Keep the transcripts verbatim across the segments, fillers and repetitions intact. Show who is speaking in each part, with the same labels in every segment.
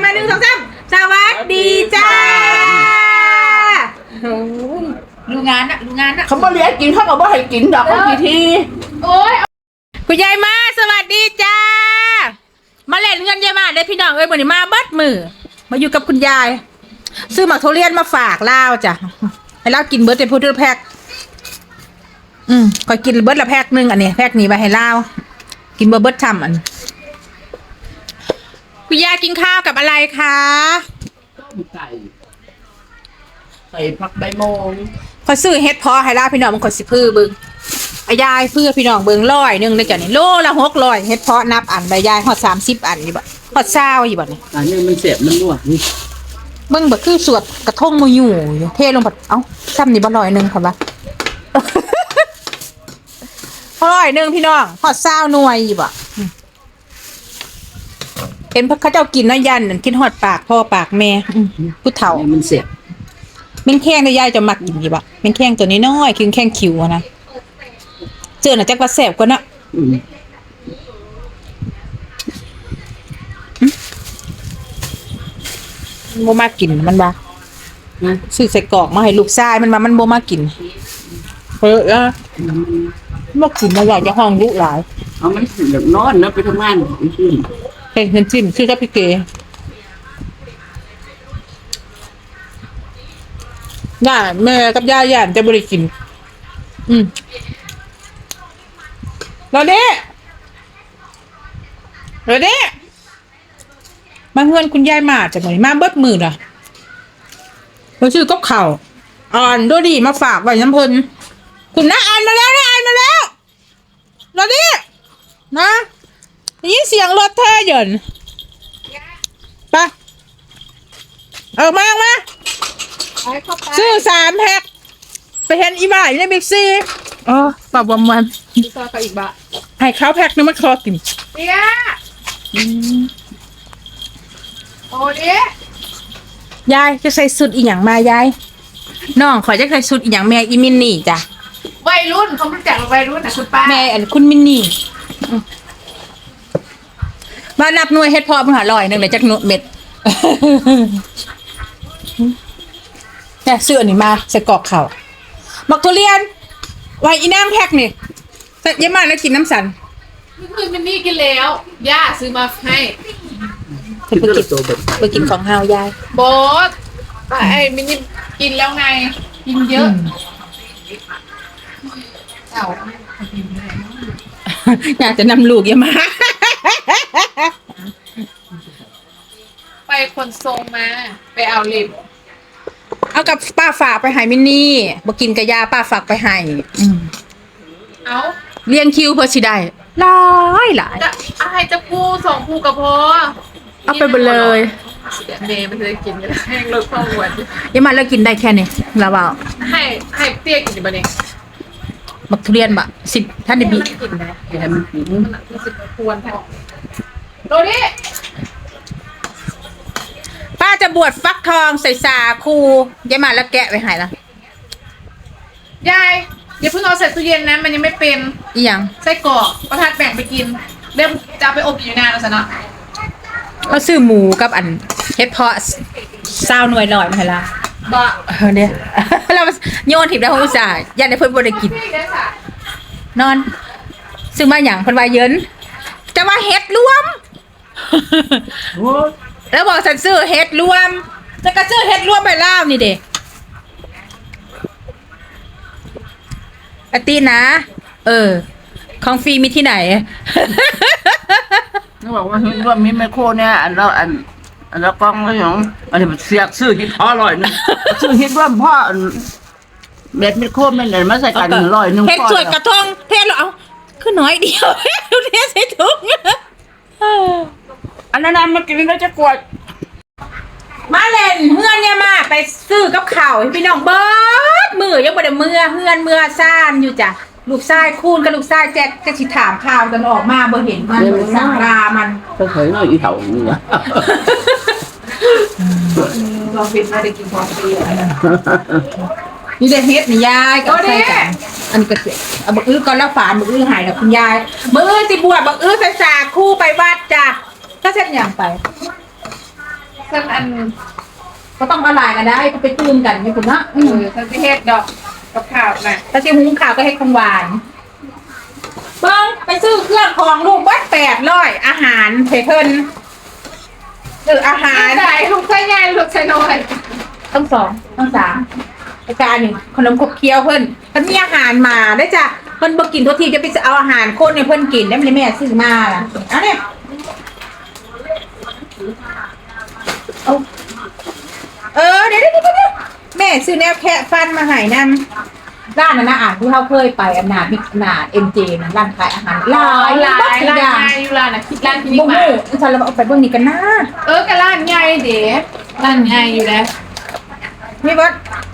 Speaker 1: หนึ่งสองสามสวัสดีจ้าดูงานนะดูงานนะ
Speaker 2: เขาบ่เลี้ยงกินเขาก็บ่ให้กินดอกบางทีที
Speaker 1: โอ้ยคุณยายมาสวัสดีจ้ามาเล่นเงินยายมาได้พี่น้องเอ้ยวันนี้มาเบิดมือมาอยู่กับคุณยายซื้อหมากทุเรียนมาฝากเล่าจ้ะให้เล่ากินเบิร์ดเป็นพูดแพ็คอืมคอยกินเบิร์ดละแพ็คนึงอันนี้แพ็คนี้ไปให้เล่ากินเบิร์ดเบิร์ดทำอันคุณยายกินข้าวกับอะไรคะ
Speaker 2: ไก่ใส่ผักใบโมง
Speaker 1: คอยซื้อเฮ็ดพอให้เล่าพี่น้องมันคอยสิพื้อบึงอายายเพื่อพี่น้องเบิงร้อยหนึ่งเลยจ้ะนี่โลละหกร้อยเฮ็ดเพาะนับอันใบยายหอดสามสิบอันอยู่บ่หอดเศร้าอยู่บ่นี่
Speaker 2: อันนี้มันเสียบมันรั่วนี่
Speaker 1: เบิ่งบ่คือสวดกระทงมาอยู่เทลงผัดเอ้าซ้ำนี่บ่ร้อยหนึ่งค่ะบ่ร้อยหนึ่งพี่น้องหอดเศร้าหน่วยอยู่บ่เห็นพระเขาเจ้ากินน้ำยันกินหอดปากพ่อปากแม่ผู้เฒ่า
Speaker 2: มันเสียบ
Speaker 1: แม่งแข้งได้ยายจะมักกินอยู่บ่แม่งแข้งตัวนี้น้อยคือแข้งคิวนะเจอหน่ะจักว่าแซ่บกว่านะโมมากินมันบ้าซื้อใส่กรอกมาให้ลูกชายมันมามันโมมากินเฮ้ยอะมกินมาอยากจะห้องลูกหลาย
Speaker 2: เอามันแบบนอนนะไปทำงานขึ้น
Speaker 1: เห็นเห็นจิ้มชื่อกับพี่เก๋ย่าแม่กับย่าย่านจะบริกินอืมเราเด้เราเด้มาเฮือนคุณยายมาจากไหนมาเบิดมือล่ะเราชื่อก็เข่าอ่อนดูดีมาฝากไว้น้ำเพลินคุณน้าอ่านมาแล้วนะอ่านมาแล้วเราเด้นะยินเสียงรถเธอหย่อนไปเอามามาซื้อสามแพ็คไปเห็นอีบ่ายในบิ๊กซีอ๋อปรับวันวัน
Speaker 3: ต่อกับอีกบะ
Speaker 1: ให้เขาแพ็คนึงมาคอกิน
Speaker 3: เตี้ยโอ้ดิ
Speaker 1: ยายจะใส่สุดอีหยังมายายน้องขอจะใส่สุดอีหยังแม่อีมินนี่จ้ะ
Speaker 3: วัยรุ่นเขารู้จักวัยรุ่นนะคุณป้า
Speaker 1: แม่อันคุณมินนี่มานับหน่วยเฮ็ดพอมึงหาลอยนึงเลยจักหน่วยเม็ดเนี่ยซื้ออันนี้มาใส่กรอกเข่ามักทุเรียนไว้อีนางแพ็คนี่เยอะมากแล้วกินน้ำสัน
Speaker 3: เมื่อคืนมินนี่กินแล้วย่าซื้อมาให้
Speaker 1: ไปกินไปกินของเฮายาย
Speaker 3: บอสไอ้มินนี่กินแล้วไงกินเยอะเอ้า
Speaker 1: อยากจะนำลูกเยอะมาก
Speaker 3: ไปคนทรงมาไปเอาลิบ
Speaker 1: เอากับป้าฝากไปให้มินนี่บ่กินกะยาป้าฝากไปให้
Speaker 3: เอา
Speaker 1: เลี้ยงคิวเพื่อสิได้หลายหลาย
Speaker 3: จะอะไรจะกู้สองกู้กับพอ
Speaker 1: เอาไปหมดเลย
Speaker 3: เมย์มันจะกินกันแห้งลดความอ้วน
Speaker 1: ยังมาแล้วกินได้แค่นี้แล้วเปล่า
Speaker 3: ให้ให้เตี้ยกินบ้างเนี่ย
Speaker 1: บักทุเรียนบะสิบท่านได้บี
Speaker 3: กินนะเดี๋ยวมันกินมันสิบควรพอโดดิ
Speaker 1: ป้าจะบวชฟักทองใส่สาคูยายมาแล้วแกะไปหายละ
Speaker 3: ยายอย่าเพิ่งเอาใส่ตู้เย็นนะมันยังไม่เป็น
Speaker 1: อีหยัง
Speaker 3: ไส้กรอกประทานแบ่งไปกินเดี๋ยวจะเอาไปอบอยู่นานแล้วสินะ
Speaker 1: เขาซื้อหมูกับอันเฮ็ดเพาะซาวหน่วยหน่อยมาให้ละ
Speaker 3: บ่
Speaker 1: เนี่ยเราโยนถิบได้ของอุตส่าห์ยันในเพิ่นบ่ได้กินนอนซื้อมาหยังเพิ่นว่าเยินจะว่าเฮ็ดรวมแล้วบอกฉันซื้อเฮ็ดรวมจะกระซื้อเฮ็ดรวมไปล่าวนี่เด็กอตีนะเออของฟรีมีที่ไหน
Speaker 2: เขาบอกว่าว่ามีไมโครเนี่ยอันเราอันอันเรากล้องแล้วอย่างอันนี้มันเสียกซื้อฮิตพอร่อยนึงซื้อฮิตว่าพ่อเม็ดไมโครแม่นมาใส่กันร่อยนึง
Speaker 1: เฮ็ดสวยกระทงเทศเอาคือน้อยเดียวเทใส่ถุง
Speaker 2: อันนั้นมันกินแล้วจะกวด
Speaker 1: มาเล่นเฮือนเนี่ยมาไปซื้อกับข่าวพี่น้องเบิดมือยังบ่ได้เมื่อเฮือนเมื่อซ่านอยู่จ้ะลูกชายคูนกับลูกชายแจ็คจะสิถามข่าวกันออกมาบ่เห็นมันบ่สั่งลามัน
Speaker 2: ก็เคยน้อยอีเถ่านี่นะ
Speaker 3: เราฟิตมาได้กินพอดี
Speaker 1: นี่ได้เฮ็ดนี่ยายก็ใส่กันอันนี้ก็เสร็จเอาบักอื้อก่อนแล้วฝานบักอื้อหายแล้วคุณยายบักอื้อสิบวชบักอื้อใส่สาคู่ไปวัดจ้ะก็เช่นอย่างไป
Speaker 3: ฉันอัน
Speaker 1: ก็ต้องละลายกันได้ก็ไปตื้มกันอยู่คุณนะ
Speaker 3: เออฉันจะเฮ็ดดอกกับข้าวน่ะ
Speaker 1: ถ้าจะหุงข้าวก็ให้ของหวานเบิ้งไปซื้อเครื่องของลูกวัดแปดร้อยอาหารเพเพิ่นซื้ออาหาร
Speaker 3: ใส่ลูกใส่ใหญ่ลูกใส่น้อย
Speaker 1: ต้องสองต้องสามอาจารย์หนึ่งขนมขบเคี้ยวเพิ่นเพิ่นมีอาหารมาได้จ้ะเพิ่นบ่กินทุกทีจะไปเอาอาหารคนให้เพิ่นกินได้ไม่ได้แม่ซื้อมาล่ะเอาเนี่ยเอาเออเดี๋ยวเดี๋ยวเดี๋ยวแม่ซื้อแนวแคะฟันมาให้นำร้านนั้นนะอ่ะที่เขาเคยไปอำนาจมิตรนาเอ็มเจนะร้านขายอาหารหลาย
Speaker 3: หลาย
Speaker 1: บัก
Speaker 3: ร้าน
Speaker 1: อย่าง
Speaker 3: ใหญ่อยู่ร้านน่ะคิดร้านที่
Speaker 1: บุ้
Speaker 3: นี่
Speaker 1: ง
Speaker 3: มา
Speaker 1: ฉันเราเอาไปเบิ่งนี่กันนะ
Speaker 3: เออกับร้านใหญ่เด้ร้านใหญ่อยู่แล้ว
Speaker 1: นี่เบิด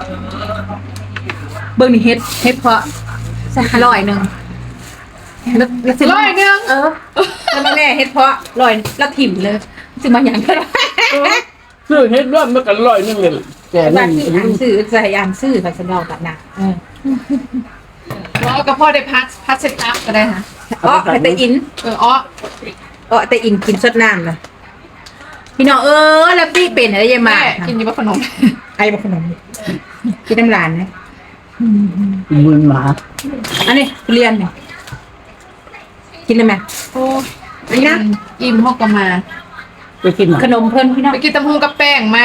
Speaker 1: เบิ่งนี่เฮ็ดเฮ็ดเพาะสักร้อยหนึงแล้วแล้วสิ
Speaker 3: ร้อยหนึง
Speaker 1: เออแล้วแม่เฮ็ดเพาะร้อยแล้วถิ่มเลยสิมาหยังก็ได้
Speaker 2: ซื้อเฮ็ดร่วมมันกันร้อยนึงเลยแก
Speaker 1: บ้า
Speaker 2: นี่
Speaker 1: นซื้ออ่านซื้อใส่อ่านซื้อไปสนองกันนะเออ
Speaker 3: แล้วก็พ่อได้พัดพัดเซ็ตอัพก็ได้ค่ะ
Speaker 1: อ๋อแต่อิน
Speaker 3: เอออ้อ
Speaker 1: อ๋อแต่อินกินสดน้ำนะพี่น้องเออแล้วพี่เป็นอะไรยังมา
Speaker 3: แม่กินอยู่บ่ขนม
Speaker 1: ไอ้บขนมกินน้ำลานนะ
Speaker 2: มือหมา
Speaker 1: อันนี้ทุเรียนเนี่ยกินเลยไหม
Speaker 3: โอ้
Speaker 1: อันนี้นะ
Speaker 3: อิ่มฮอกก็มา
Speaker 2: ไปกินหมา
Speaker 1: ขนมเพิ่นพี่น้อง
Speaker 3: ไปกินตำหูกับแป้งมา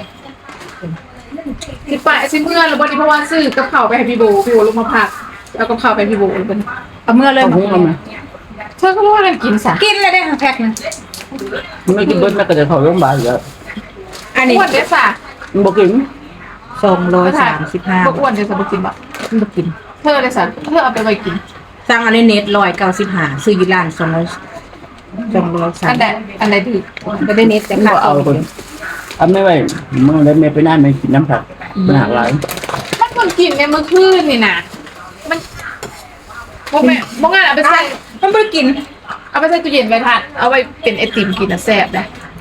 Speaker 3: สิปะสิเมื่อหรือบ่นี่เพราะว่าซื้อกับข้าวไปให้พี่โบพี่โบลงมาพักแล้วกับข้าวไปพี่โบเลยเป็น
Speaker 1: เอาเมื่อเลย
Speaker 2: เอาหุ้งเอามา
Speaker 3: เธอก็รู้ว่าอะไรกินสะ
Speaker 1: กินเลยได้ค่ะแพ็คนึง
Speaker 2: ไม่กินเบิ้ลแม่ก็จะเข้าโรงพยาบาลแล้ว
Speaker 1: อันนี้
Speaker 3: อ้วนเด้อสะ
Speaker 2: มันบ่กิน
Speaker 1: สองร้อยสามสิบห้า
Speaker 3: บ่อ้วนเด้อสะบ่กินบ่
Speaker 1: ไม่กิน
Speaker 3: เธอเด้อสะเธอเอาไปไว้กิน
Speaker 1: สั่งอันนี้เน็ตร้อยเก้าสิบห้าซื้ออยู่ร้านสองร้อยสองร้อยสา
Speaker 3: อั
Speaker 1: ม
Speaker 3: นใดอันใดถือ
Speaker 1: ไม่ได้เน็ตแต่
Speaker 2: มัน
Speaker 1: ค่า
Speaker 2: บ่เอาคนเอาไม่ไหวมึงแล้วแม่ไปนั่นแม่กินน้ำผักมันหักหลาย
Speaker 3: มันเพิ่งกินในเมื่อคืนนี่น่ะมันบ่แม่บ่งั้นเอาไปใส่
Speaker 1: มันไม่ได้กิน
Speaker 3: เอาไปใส่ตู้เย็นไว้ทานเอาไว้เป็นไอติมกินน่ะแซ่บนะ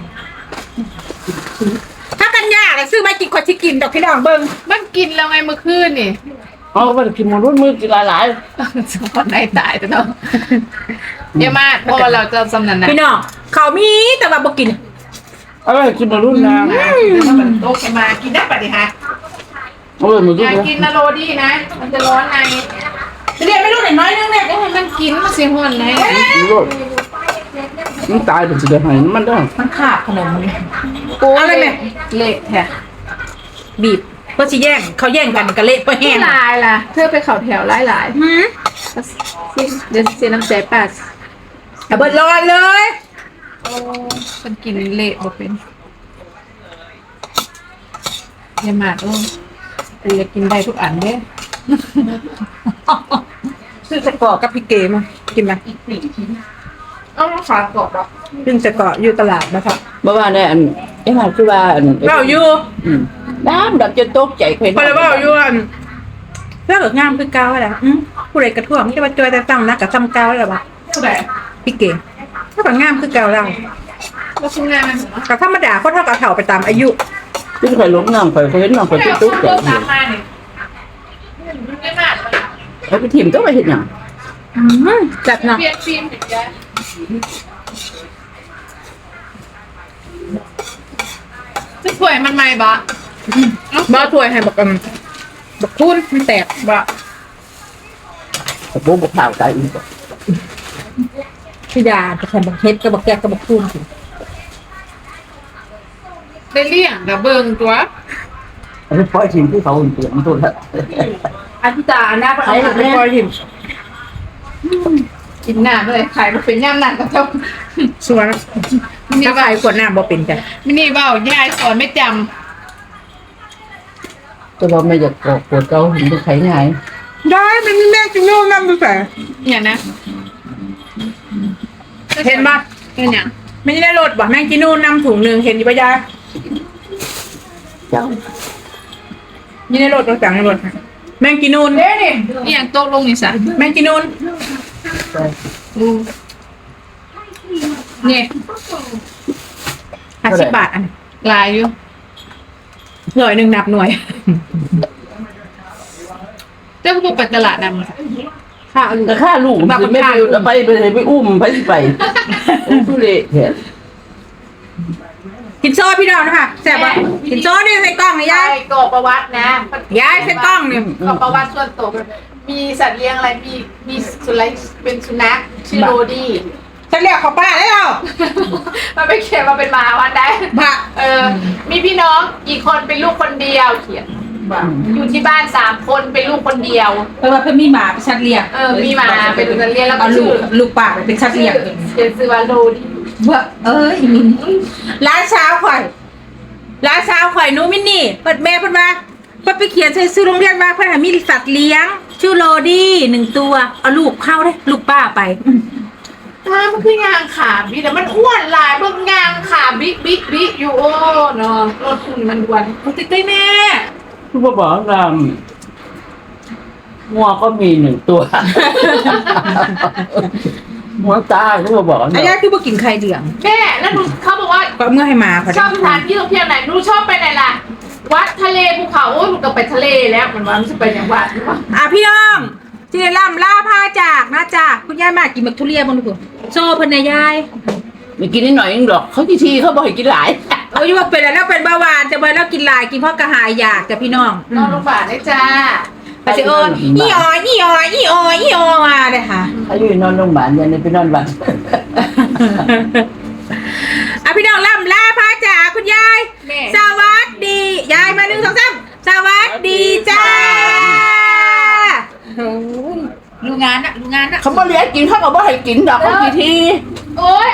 Speaker 1: ถ้ากันยากเลยซื้อมากินคนที่กินดอกพี่น้องเบิ้ง
Speaker 3: มันกินแล้วไงเมื่อคืนนี่
Speaker 2: เอาไปกินมันรุ่นมือกินหลาย
Speaker 3: สปอนในตายแต่เนาะเดี๋ยวมาเพราะว่าเราจะสำนันนะ
Speaker 1: พี่น้องเขามีแต่ว่าบ่กิน
Speaker 2: ๆเอาไปกินมันรุ่นนะ
Speaker 3: โตขึ้นมากินได้ปะดิฮะ
Speaker 2: เอาไปมัน
Speaker 3: อ
Speaker 2: รุ่น
Speaker 3: ย่า
Speaker 2: นะ
Speaker 3: กินนะโรดี้นะ มันจะร้อนใน
Speaker 1: เรียนไม่รู้หน่อยน้อยนึงเนี่ย
Speaker 3: ก็ให้มันกินมันเสียห่อนใน
Speaker 2: มันรุ่นมันตายเป็นสิเดือนไหนมันได้
Speaker 1: มันขาดขนมมัน
Speaker 3: โอ้
Speaker 1: อะไรแม่
Speaker 3: เละแท้
Speaker 1: บีบเพื่อสิแย่งเขาแย่งกันกะเละเพื่อแห้
Speaker 3: ที่
Speaker 1: ง
Speaker 3: ลายล่ะ เธอไปเข่าแถวหลายหลาย
Speaker 1: หืม
Speaker 3: ๆเดี๋ยวเสียน้ำใจป้า
Speaker 1: เอาเบิดร้อนเลย
Speaker 3: โอ้มันกินเละบ่เป็นอย่ามาดโอ้แต่อยากกินได้ทุกอันเด้
Speaker 1: ซื้อสะกอกับพี่เกมากินไหม
Speaker 3: เอามาฝากกรอบหรอ
Speaker 1: ซึ่งสะกออยู่ตลาดนะครับ
Speaker 2: เมื่อวานเนี่ยอันไอ้ห่าคือว่าอัน
Speaker 1: เบ้าอยู่
Speaker 2: อืมน้ำดับจนตกใจเคย
Speaker 1: พอเลยเบ้าอยู่อันเพื่อเกิดงามคือเก่าแหละอืมผู้ใดกระท่วงที่ว่าจอยแต่ตั้งนะกับซ้ำเก่าแล้วปะ
Speaker 3: ผู้ใด
Speaker 1: พี่เกถ้าแบบงามคือเก่าเรา
Speaker 3: ก็ชิ้นงานมันเหรอ
Speaker 1: กับธรรมดาเขาเท่ากับเถ่าไปตามอายุ
Speaker 2: ที่เคยล้มน้ำเคยเคยเห็นน้ำเคย
Speaker 3: ผู้ใด
Speaker 2: ตุ๊ก
Speaker 3: เอา
Speaker 2: ตุ๊ก
Speaker 3: เค
Speaker 2: ใจ
Speaker 3: รื่องตามมาเนี่ยไม่มากเลย
Speaker 2: แล้วไปถิ่มต้องไปเห็นอย่าง
Speaker 1: อืมจัดหนัก
Speaker 3: เปลี่ยนฟิล์มเห็นไหมจะสวยมันไหมบะ
Speaker 1: บ้าถ้วยให้บอกกันบอกทุนมันแตก
Speaker 3: บะ
Speaker 2: แต่โบ้บอกข่าวใจอีก
Speaker 1: พี่ดาจะใส่บอกเฮ็ดกับบอกแกกกับบอกทุนสิ
Speaker 3: ได้เลี่ยงกับเบิงตัว
Speaker 2: อันนี้ปล่อยถิ่มที่เขาอุ่นเตือนมันตัวละ
Speaker 1: อันพี่ตาอันหน้าก็เอาไปปล่อยหิม
Speaker 3: กินหน้าเลยขายมาเป็นย่ำหนักกับเจ้า
Speaker 1: สวยนะถ้าใครขวดน้ำบ่เป็นจ้ะ
Speaker 3: มินี่เบ้ายายสอนไม่จ
Speaker 2: ตัวเราไม่อยากกอกปวดเกาเห็นเป็นไข่ไง
Speaker 1: ได้เป็นแม่กินโน่น้ำดูแต่
Speaker 3: ำอย่างนะ
Speaker 1: เห็นป่ะ
Speaker 3: เป็นอย่าง
Speaker 1: ไม่ได้รถบ่แม่งกินโน่น้ำถุงหนึ่งเห็นอยู่ปะยาย
Speaker 2: เจ้า
Speaker 1: ยี่ในรถรถจังในรถแม่งกินโน่น
Speaker 3: เด้ดิอหย่างโต๊ะลงนี่สะ
Speaker 1: แม่งกินโน่น
Speaker 3: ดูเนี่ย
Speaker 1: ห้าสิบบาทอัน
Speaker 3: ลายอยู่
Speaker 1: หน่วยหนึ่งนับหน่วย
Speaker 3: เจ้าพวกไปตลาดนำ
Speaker 1: ค่าลูก
Speaker 2: แต่ค่าลูกมันไม่ไปไปไปไปอุ้มไปไปทุเรศแท้
Speaker 1: กินโซ่พี่น้องนะคะแซ่บปะกินโซ่นี่ใส่กล้องนะยาย
Speaker 3: ใช่กรอกประวัตินะ
Speaker 1: ยายใส่กล้องเนี่ย
Speaker 3: กรอกประวัติส่วนตัวมีสัตว์เลี้ยงอะไรมีมีสุนัขเป็นสุนัขชื่อโรดี้
Speaker 1: ฉันเรียกเขาป้าได้แล้ว
Speaker 3: มันไปเขียนมาเป็นหมาวันได้
Speaker 1: บะ
Speaker 3: เออ มีพี่น้องกี่คนเป็นลูกคนเดียวเขียนอยู่ที่บ้านสามคนเป็นลูกคนเดียว
Speaker 1: เออว่าเพิ่นมีหมาเป็นชัดเรียก
Speaker 3: เออมีหมาเป็นสัตว์เลี้ยงแล้วก็
Speaker 1: เอาลู
Speaker 3: ชื่
Speaker 1: ก
Speaker 3: อ
Speaker 1: ลูกป่าไปเป็นชัดเรียก
Speaker 3: เขียนซื้อว่าโรดี้
Speaker 1: เบ้อเอ้ยมินร้านเช้าข่อยร้านเช้าข่อยหนูมินนี่เปิดแม่เพิ่นว่าเพิ่นไปเขียนใส่ซื้อโรงเรียนว่าเพิ่นหามีสัตว์เลี้ยง ชื่อโรดี้หนึ่งตัวเอาลูกเข้าได้ลูกป้าไป
Speaker 3: ถ้ามันคืองางขาบิ๊กแต่มันอ้วนหลายเบิ่งงางขาบิ๊กบิ๊กบิ๊กอยู่โอ้เนาะรถคุณมันด่วน
Speaker 1: โอ้ติ๊กติ๊กแม่
Speaker 2: คือบอกว่างามงัวก็มีหนึ่งตัวหัวตาคือบอกว่า
Speaker 1: อายาคือบ่กินไข่เดือง
Speaker 3: แม่แล้วหนูเขาบอกว่า
Speaker 1: ก็เอามื่อให้มาพอ
Speaker 3: ชอบสถานที่ท่องเที่ยวไหนหนูชอบไปไหนล่ะ วัดทะเลภูเขาโอ้ยหนูก็ไปทะเลแล้วมันว่ามันจะไปอย่างวัดหรือเปล่า
Speaker 1: อ่ะพี่น้องจีเนล่ำล่าผ้าจากนะจ้าคุณยายมากินบักทุเรียนบ้างดูโซ่เพิ่นนะยาย
Speaker 2: ไม่กินนิดหน่อยเองหรอกเขาทีทีเขาบอกให้กินหลาย
Speaker 1: โอ้ยว่าเป็นอะไรแล้วเป็นเบาหวานแต่เมื่อเรากินหลายกินเพราะกระหายอยากจ้ะพี่น้อง
Speaker 3: นอนโรงพยาบาลได้จ้า
Speaker 1: ไปสิเอออีออยอีออยอีออยอีออยมาเลยค่ะ
Speaker 2: เขาอยู่นอนโรงพยาบาลยันไปนอนบ้าน
Speaker 1: อ่ะพี่น้องล่ำล่าผ้าจากคุณยาย
Speaker 3: แม่
Speaker 1: สวัสดียายมาหนึ่งสองสามสวัสดีจ้าโอ้ยรู้งานนะรู้งานนะ
Speaker 2: เขาบ่เลี้ยงกินเขาก็บ่ให้กินดอกเขาทีที
Speaker 3: โอ้ย